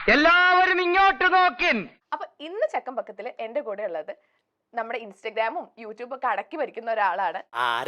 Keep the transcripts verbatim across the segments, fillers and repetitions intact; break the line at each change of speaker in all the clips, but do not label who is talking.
എല്ലാവരും ഇങ്ങോട്ട് നോക്കിൻ.
അപ്പൊ ഇന്ന് ചക്കം പക്കത്തില് എന്റെ കൂടെ ഉള്ളത് നമ്മുടെ ഇൻസ്റ്റഗ്രാമും യൂട്യൂബും ഒക്കെ അടക്കി ഭരിക്കുന്ന ഒരാളാണ്.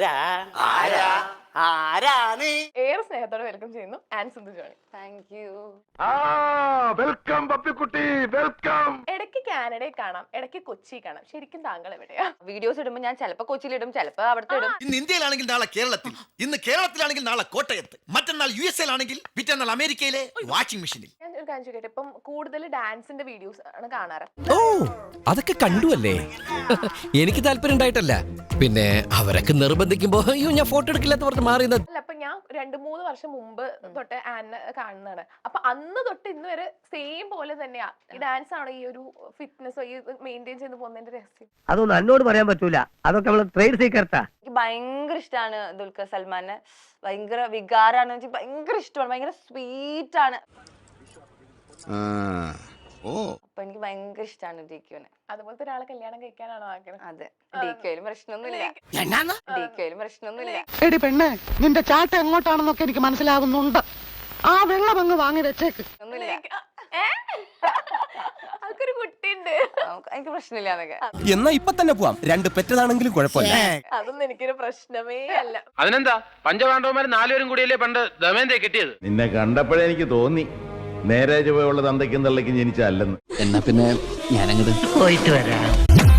ഏറെ സ്നേഹത്തോടെ വെൽക്കം ചെയ്യുന്നു Ann Sindhu Johnny.
Thank you.
Welcome പപ്പിക്കുട്ടി, വെൽക്കം.
ഇടയ്ക്ക് കാനഡയിൽ കാണാം, ഇടയ്ക്ക് കൊച്ചി കാണാം. ശരിക്കും താങ്കൾ എവിടെയാ?
വീഡിയോസ് ഇടുമ്പോ ഞാൻ ചിലപ്പോ കൊച്ചിയിലിടും, ചിലപ്പോ അവിടുത്തെ ഇടും.
ഇന്ന് ഇന്ത്യയിലാണെങ്കിൽ നാളെ കേരളത്തിൽ, ഇന്ന് കേരളത്തിലാണെങ്കിൽ നാളെ കോട്ടയത്ത്, മറ്റന്നാൾ യു എസ് എയിലാണെങ്കിൽ പിറ്റന്നാൾ അമേരിക്കയിലെ വാഷിംഗ് മെഷീനിൽ.
ഞാൻ ഒരു കാര്യം ചോദിക്കട്ടെ, ഇപ്പം കൂടുതൽ ഡാൻസിന്റെ വീഡിയോസ് ആണ് കാണാറ്.
ഓ അതൊക്കെ കണ്ടുവല്ലേ? എനിക്ക് താല്പര്യം ഉണ്ടായിട്ടല്ല, പിന്നെ അവരൊക്കെ നിർബന്ധിക്കുമ്പോ അയ്യോ ഞാൻ ഫോട്ടോ എടുക്കില്ലാത്ത പറഞ്ഞ് മാറിയത്.
അല്ല, അപ്പൊ ഞാൻ രണ്ടു മൂന്ന് വർഷം മുമ്പ് തൊട്ട് ആനെ കാണുന്നതാണ്. അപ്പൊ അന്ന് തൊട്ട് ഇന്ന് വരെ സെയിം പോലെ തന്നെയാ ഈ ഡാൻസ് ആണ് ഈ ഒരു ഫിറ്റ്നസ് ഈ മെയിൻറ്റെയിൻ ചെയ്ത് പോകുന്നതിന്റെ രഹസ്യം.
അതൊന്നും എന്നോട് പറയാൻ പറ്റൂല, അതൊക്കെ നമ്മള് ട്രേഡ് സീക്രട്ടാ.
എനിക്ക് ഭയങ്കര ഇഷ്ടമാണ് ദുൽഖർ സൽമാനെ, ഭയങ്കര വികാരാണ്, എനിക്ക് ഭയങ്കര ഇഷ്ടമാണ്, ഭയങ്കര സ്വീറ്റ് ആണ്. അപ്പൊ എനിക്ക് ഭയങ്കര ഇഷ്ടമാണ് ഡിക്യുനെ.
അതുപോലത്തെ ഒരാളെ കല്യാണം കഴിക്കാനാണോ ആഗ്രഹം?
അതെ, ഡിക്യുയിലും പ്രശ്നമൊന്നുമില്ല, ഡിക്യുയിലും പ്രശ്നമൊന്നുമില്ല.
എടി പെണ്ണെ, നിന്റെ ചാട്ട എങ്ങോട്ടാണെന്നൊക്കെ എനിക്ക് മനസ്സിലാവുന്നുണ്ട്. ആ വെള്ളം അങ്ങ് വാങ്ങി വെച്ചേക്ക്.
ഒന്നുമില്ല,
അതൊരു കുട്ടിയുണ്ട്,
എനിക്ക് പ്രശ്നമില്ല എന്നൊക്കെ.
എന്നാ ഇപ്പൊ തന്നെ പോവാം, രണ്ട് പെറ്റതാണെങ്കിലും കുഴപ്പമില്ല.
അതൊന്നും എനിക്കൊരു പ്രശ്നമേ അല്ല.
അതിനെന്താ, പഞ്ചപാണ്ഡവന്മാർ നാലുപേരും കൂടിയല്ലേ പണ്ട് ദമയന്തയെ കിട്ടിയത്?
നിന്നെ കണ്ടപ്പോഴേ എനിക്ക് തോന്നി നേരെ ചുവയുള്ള തന്തയ്ക്കും തള്ളയ്ക്കും ജനിച്ചല്ലെന്ന്.
എന്നാ പിന്നെ ഞാനങ്ങോട്ട്
പോയിട്ട് വരാം.